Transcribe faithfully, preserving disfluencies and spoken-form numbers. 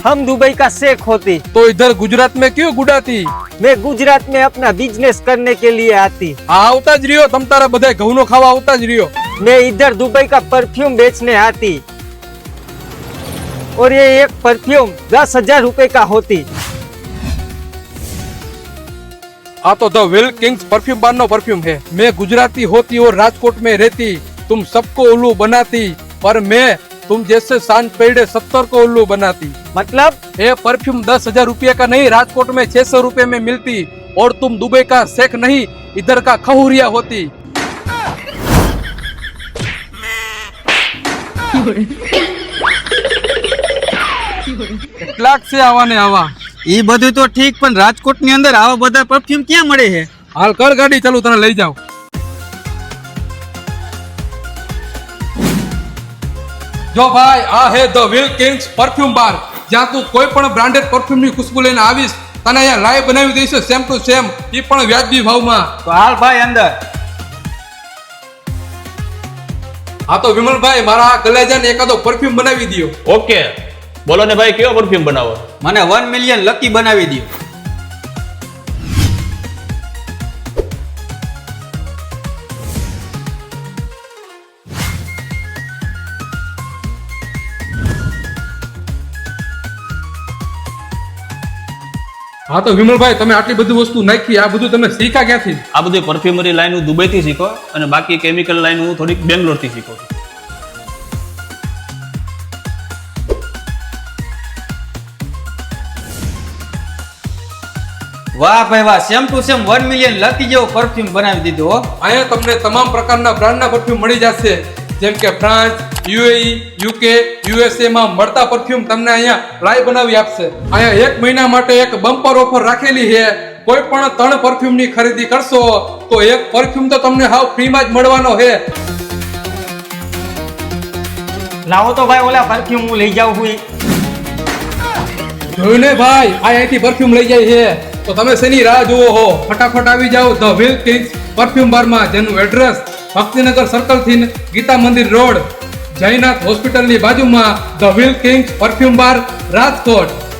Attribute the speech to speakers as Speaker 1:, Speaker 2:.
Speaker 1: हम दुबई का शेख होती
Speaker 2: तो इधर गुजरात में क्यों गुडाती?
Speaker 1: मैं गुजरात में अपना बिजनेस करने के लिए आती।
Speaker 2: आ आवता ज रियो तम तारा बधाय घऊनो खावा आवता ज रियो।
Speaker 1: मैं इधर दुबई का परफ्यूम बेचने आती और ये एक परफ्यूम दस हजार रुपए का होती।
Speaker 2: आ तो the will kings perfume bar नो परफ्यूम है। मैं गुजराती होती और राजकोट में रहती, तुम सबको उल्लू बनाती, पर मैं तुम जैसे सांझ पेड़े सत्तर को उल्लू बनाती।
Speaker 1: मतलब
Speaker 2: ये परफ्यूम दस हजार रुपये का नहीं, राजकोट में छह सौ रुपए में मिलती, और तुम दुबई का शेख नहीं, इधर का खहुरिया होती। કેટલાક છે આવા ને આવા?
Speaker 3: એ બધું તો ઠીક, પણ રાજકોટ ની અંદર આવા બધા પરફ્યુમ ક્યાં મળે છે?
Speaker 2: હાલ કર ગાડી ચાલુ, તને લઈ જાઉં। જો ભાઈ, આ હે the will kings perfume bar, જ્યાં તું કોઈ પણ બ્રાન્ડેડ પરફ્યુમ ની ખુશ્બુ લઈને આવીશ, તને અહીંયા લાઈવ બનાવી દઈશ સેમ ટુ સેમ, એ પણ વ્યાજબી ભાવમાં।
Speaker 3: તો હાલ ભાઈ અંદર।
Speaker 2: હા તો વિમલભાઈ, મારા આ કલેજાને એકાદો પરફ્યુમ બનાવી દો।
Speaker 4: ઓકે, બોલો ને ભાઈ, કેવો પરફ્યુમ બનાવો?
Speaker 3: મને વન મિલિયન લકી બનાવી દો।
Speaker 2: હા તો વિમલભાઈ, તમે આટલી બધી વસ્તુ નાખી, આ બધું તમે શીખ્યા ક્યાંથી?
Speaker 4: આ બધી પરફ્યુમરી લાઈન હું દુબઈથી શીખો, અને બાકી કેમિકલ લાઈન હું થોડીક બેંગ્લોરથી શીખો છું।
Speaker 3: વાહ ભાઈ વાહ, same to same one million lucky જેવો પરફ્યુમ બનાવી દીધો હો।
Speaker 2: અહીંયા તમને તમામ પ્રકારના બ્રાન્ડના પરફ્યુમ મળી જશે, જેમ કે ફ્રાન્સ, યુએઈ, યુકે, યુએસએ માં મળતા પરફ્યુમ તમને અહીંયા લાઈવ બનાવી આપશે। અહીંયા એક મહિના માટે એક બમ્પર ઓફર રાખેલી છે। કોઈ પણ ત્રણ પરફ્યુમ ની ખરીદી કરશો તો એક પરફ્યુમ તો તમને હાવ ફ્રીમાં જ મળવાનો છે।
Speaker 1: लाओ तो भाई ओला परफ्यूम હું લઈ જાઉં હું।
Speaker 2: જોયું ને ભાઈ, આ અહીંથી પરફ્યુમ લઈ જાય છે, તો તમે શેની રાહ જુઓ હો? ફટાફટ આવી જાઓ ધ વિલ કિંગ્સ પરફ્યુમ બારમાં, જેનું એડ્રેસ ભક્તિનગર સર્કલ થી ગીતા મંદિર રોડ, જયનાથ હોસ્પિટલની બાજુમાં, the will kings perfume bar, Rajkot.